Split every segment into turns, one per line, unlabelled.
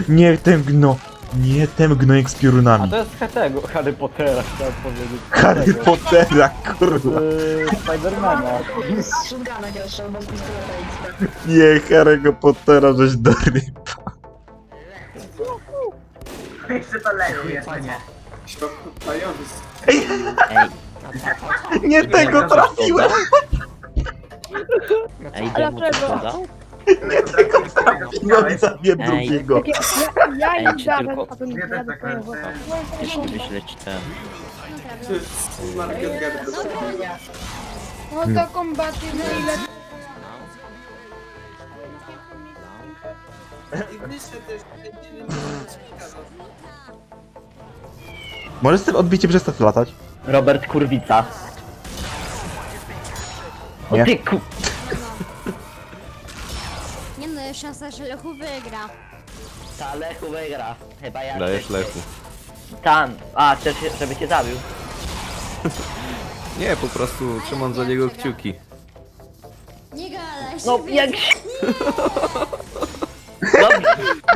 Nie tęgno. Nie tęgno jak z
A
piorunami.
to jest tego Harry Pottera, chciałem powiedzieć.
Harry Pottera, kurwa.
Spidermana.
Z shotguna grasz albo z pistoleta.
Nie, Harry'ego Pottera, żeś do ryb.
Jeszcze to lechu jeszcze nie.
Ej,
Nie tego trafiłem.
ej, demu to podał?
No i zabiję
Ej.
drugiego.
Ja
Ej,
im
czy
dałem,
tylko-
a to nie
Nie,
ja
tak,
dostaję
Jeszcze wyśleć ten.
No to kombaty, no ile...
Możesz z tym odbiciem przestać latać?
Robert Kurwica. O
Nie.
ty ku...
Nie no, jest szansa, że Lechu wygra.
Ta Lechu wygra. Chyba ja.
Dajesz Lechu.
Tan. A, chcesz, żeby cię zabił?
Nie, po prostu trzymam za niego kciuki.
Nie gadaj się.
No
wygra.
jak... Dobrze.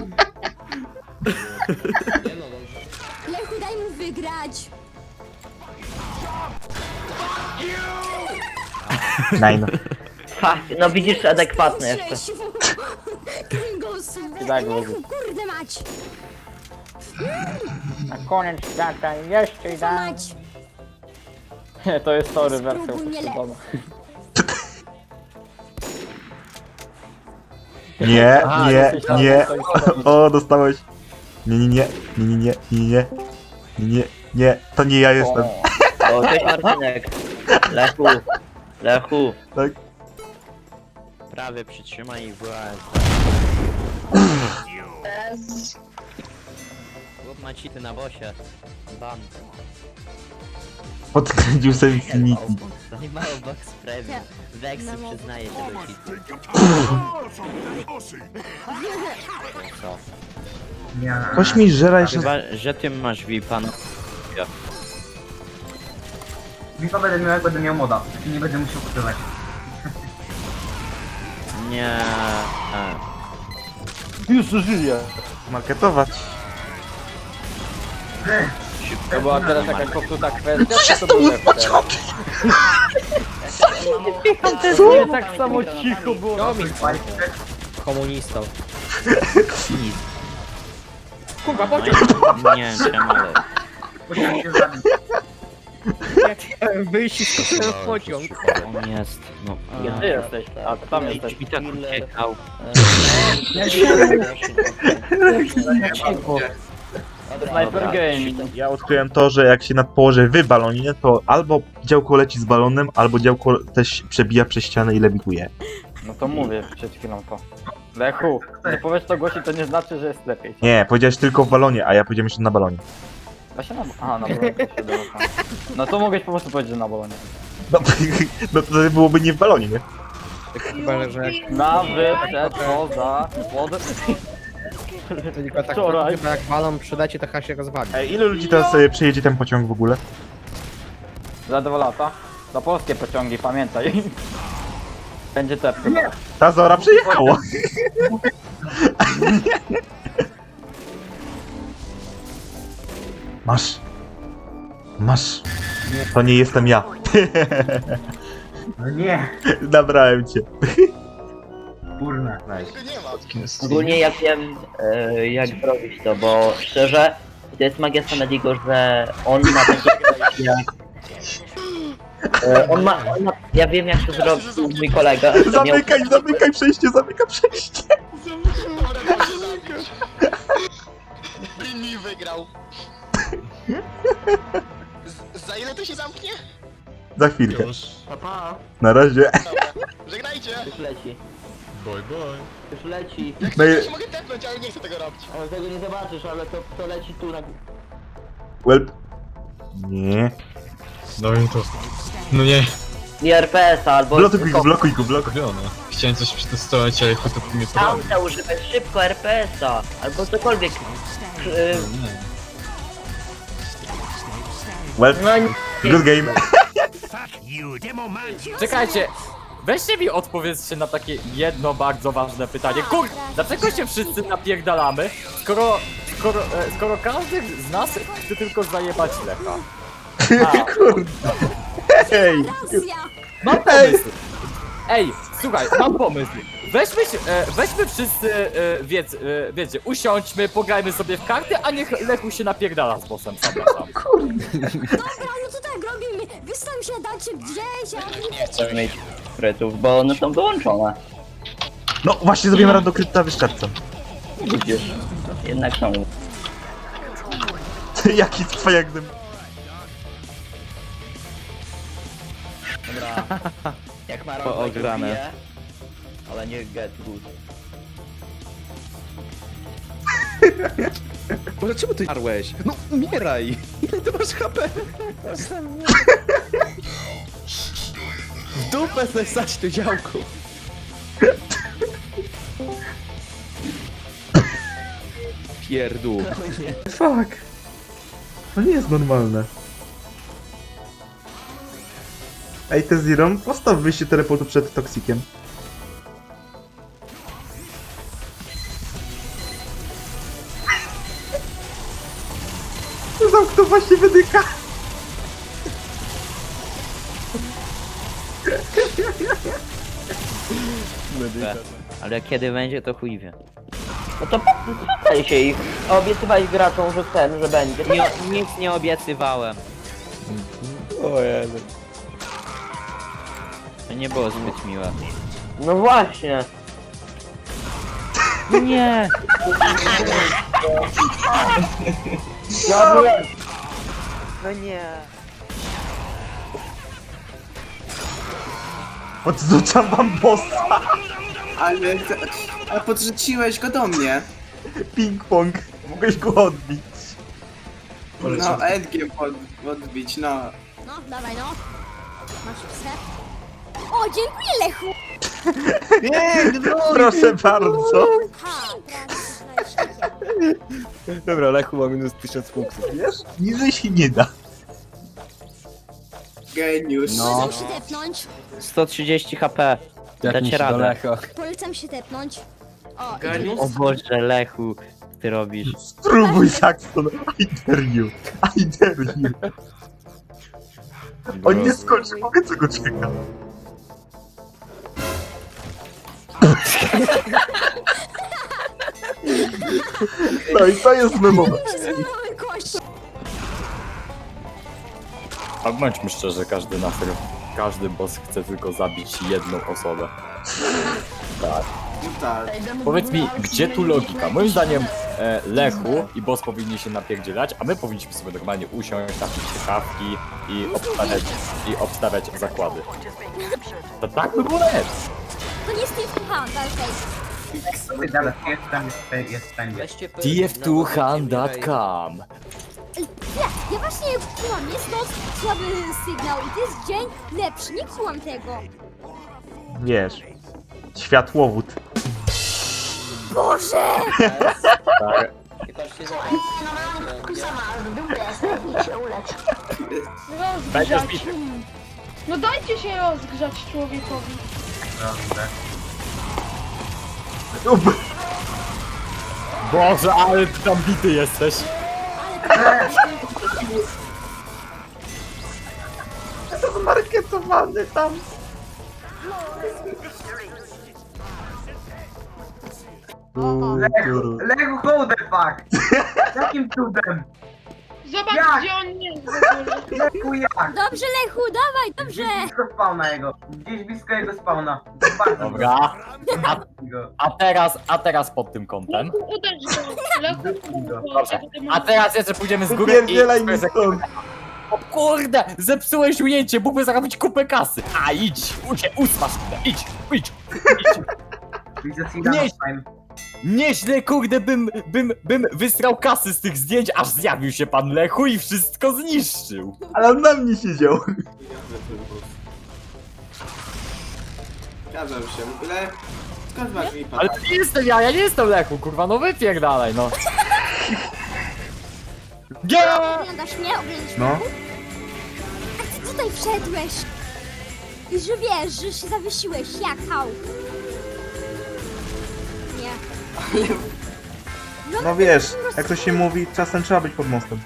Lechu, daj mu wygrać.
Nine.
Fuck, no widzisz, adekwatny jeszcze.
Kringos,
Tak,
Lechu, kurde mać.
Na koniec świata jeszcze
Co mać?
Nie, to jest story wersja
Spróbuj mnie
uproszczona.
Nie,
Aha,
nie,
jesteś na
nie.
tej stronie.
O, dostałeś. Nie, nie, nie, nie, nie, nie, nie, nie, nie, nie, to nie ja jestem.
O, cześć Marcinek. Lechu. Lechu.
Tak?
Prawie przytrzymaj i wyłącz. Chłop ma cheaty na bosie. Ban.
Podkręcił sobie Infinity.
Zajmował box premium. Vexy
No,
przyznaje się do cheatu. Co?
Nie.
Ktoś mi żera jeszcze...
Chyba, że ty masz VIPa, no.
Wipa będę miał jak będę miał moda. I nie będę musiał kupować.
Nie.
Już żyje.
Marketować.
To była teraz jakaś popsuta kwestia, czy to był lepsze? Nie tak samo cicho było.
Komunistą.
Nic.
Kurwa,
No i nie wiem czemu, ale...
Musiałem się zabić.
Ja chciałem wyjść i skoczyłem w pociąg.
On jest, no.
Gdzie ty jesteś? A, ty tam
Ej,
jesteś.
drzwi tak uciekał.
Sniper Game.
Ja odkryłem to, że jak się położy w balonie, to albo działko leci z balonem, albo działko też przebija przez ścianę i lewituje.
No to mówię przed chwilą to. Lechu, że powiesz to głośno, to nie znaczy, że jest lepiej.
Nie, powiedziałeś tylko w balonie, a ja powiedziałem jeszcze na balonie.
Da się na... Aha, na balonie to się da. No to mogłeś po prostu powiedzieć, że na balonie.
No, no to byłoby nie w balonie, nie?
Chyba, że jak
Na, przed, poza, pod...
to tylko tak
Wczoraj.
chyba jak balon przyleci, to chyba się rozwali.
Ej, ilu ludzi teraz przejedzie ten pociąg w ogóle?
Za 2 lata. Za polskie pociągi, pamiętaj. Będzie tepko.
Ta Zora przejechała! Masz. Masz. To nie jestem ja.
No nie.
Nabrałem cię.
Kurna.
Ogólnie ja wiem jak zrobić to, bo szczerze to jest magia Sanadiego, że on ma takie jak... ja wiem jak to zrobił mój kolega. że miał-
Zamykaj przejście, zamykaj przejście.
Brini wygrał. Za ile to się zamknie?
Za chwilkę.
Papa.
Na razie.
Dobra. Żegnajcie.
Już leci,
Bye bye.
już leci.
Jak
No i-
chcesz, to się mogę tepnąć, ale nie chcę tego robić.
Ale tego nie zobaczysz, ale to leci tu na...
Welp. Nie.
No i to... No nie.
Nie RPS-a albo...
Blokuj go, blokuj.
Robione. Chciałem coś przetestować, ale chuj to mnie to robi.
Tamta używać szybko RPS-a, albo cokolwiek.
Welp.
No nie.
Good game.
Czekajcie! weźcie mi odpowiedzcie na takie jedno bardzo ważne pytanie. Dlaczego się wszyscy napierdalamy, skoro każdy z nas chce tylko zajebać Lecha?
Kurde. Ej!
Racja.
Mam pomysł! Ej, słuchaj, mam pomysł. Weźmy wszyscy, wiecie, usiądźmy, pograjmy sobie w karty, a niech Lechu się napierdala z bossem sam na sam.
Dobra, no to tak robimy. Wy tam się dacie gdzieś, a wy
Nie chcę mieć sprytów, bo one są wyłączone.
No właśnie zrobimy rando krypta wyszczercam.
Widzisz, jednak są.
Jaki twoja gdym.
Dobra. Jak ma
Poograne.
bije, ale nie get good.
Boże, czemu ty jarłeś? No umieraj! Ile ty masz HP? W dupę sobie stać to działko. Pierdół.
Fuck. To nie jest normalne. Ej, te Zero, postaw wyjście teleportu przed Toxikiem. Zamknął właśnie wydyka.
Ale kiedy będzie, to chuj wie.
No to słuchaj się ich. Obiecywałeś graczom, że że będzie.
Nic nie obiecywałem.
O Jezu.
To nie było zbyt miłe.
No właśnie.
Nie!
Ja byłem.
No nie.
Odrzucam wam bossa.
Ale podrzuciłeś go do mnie.
Ping-pong. Mogłeś go odbić.
No, endgame odbić, no.
No, dawaj no. Masz psę. O, dziękuję Lechu.
Proszę bardzo.
Ha, prawie.
Dobra, Lechu ma minus 1000 punktów.
Wiesz? Niżej się nie da.
Geniusz.
Polecam się tepnąć.
130 HP. Dacie radę.
Polecam się tepnąć. O,
O Boże, Lechu, ty robisz.
Spróbuj, Saxon. I dare you. I dare you. On nie skończy, mogę co go czeka. No i to jest memowe.
Mamy kości.
A bądźmy szczerzy, każdy boss chce tylko zabić jedną osobę. Powiedz mi, gdzie tu logika? Moim zdaniem Lechu i boss powinni się napierdzielać, a my powinniśmy sobie normalnie usiąść, napić się kawki i obstawiać zakłady. To tak by było lepsze.
To nie Steve Hunt, okej.
Ty gadasz, jest wszędzie.
tf2hand.com
Ja właśnie kumam, jest noc, słaby sygnał i to jest dzień lepszy, nie kumam tego.
Wiesz. Światłowód.
Boże!
Rozgrzać. No dajcie się rozgrzać człowiekowi.
Boże, ale ty tam bity jesteś.
Zmarketowany tam.
Lego, hold the fuck! Jakim cudem?
Zobacz,
Jak?
gdzie on jest w ogóle.
Leku jak?
Dobrze Lechu, dawaj, dobrze!
Gdzieś blisko spawna jego. Gdzieś blisko jego spawna. Bardzo
Dobra,
go.
a teraz pod tym kątem.
Lechu, uderz go. Lechu,
Dobrze, a teraz jeszcze pójdziemy z góry
Pierdzielaj mi stąd.
O kurde, zepsułeś ujęcie, mógłby zarobić kupę kasy. A idź, usmasz się, idź. Nie. Nieźle, kurde, bym wystrał kasy z tych zdjęć, aż zjawił się pan Lechu i wszystko zniszczył.
Ale on na mnie siedział.
Zgadzam się, w ogóle... Skąd masz mi pan?
Ale to nie jestem ja nie jestem Lechu, kurwa, no wypierdalaj, no.
Oglądasz mnie? Oglądasz mnie?
No.
A ty tutaj wszedłeś. I że wiesz, że się zawiesiłeś, jak hał. Nie.
No wiesz, jak to się mówi, czasem trzeba być pod mostem.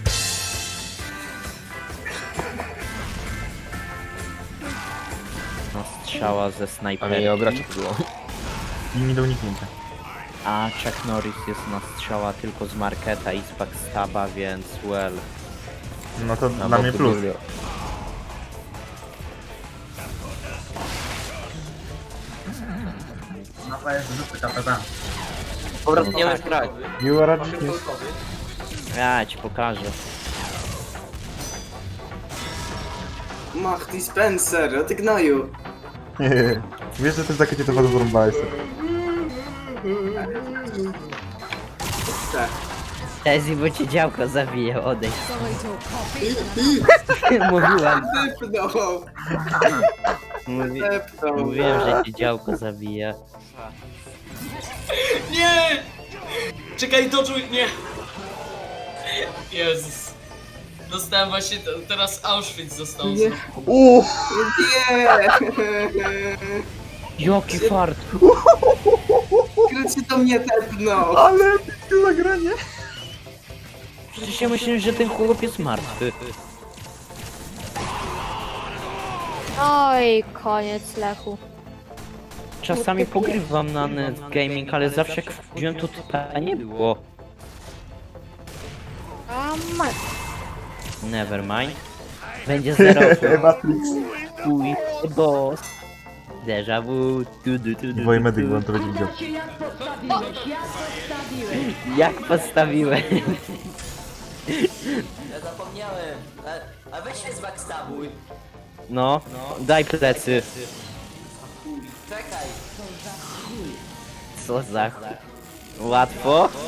No, strzała ze
Ale
snajperki.
nie obrać było.
I nie do uniknięcia.
A Chuck Norris jest na strzała tylko z marketa i z backstaba, więc well.
No to
Na
dla mnie
boku
plus.
Julio.
Mapa jest zupy KPP.
Dobra, nie możesz grać.
You are a genius.
Ja ci pokażę.
Mach, ty Spencer, ty gnoju.
Wiesz, że to jest takie cię to bardzo zarąbałeś.
Tezi, bo cię działko zabije, odejdź. Mówiłem. Mówiłem, że cię działko zabije.
Nie! Czekaj, doczuj, nie! Jezus. Dostałem właśnie, teraz Auschwitz został.
Jaki fart!
Krycie to mnie tepnął.
Ale to zagranie.
Przecież ja myślę, że ten chłop jest martwy.
Oj, koniec Lechu.
Czasami pogrywam na net gaming, ale zawsze jak wchodziłem to typa nie było. Never mind. Będzie 0.
Matrix.
Chuj, boss. Déjà vu.
I Woje medyk, bo on to będzie widział.
Jak postawiłem?
Ja zapomniałem. A weź się zbackstabuj.
No, daj plecy.
Czekaj.
Co za chuj. Łatwo?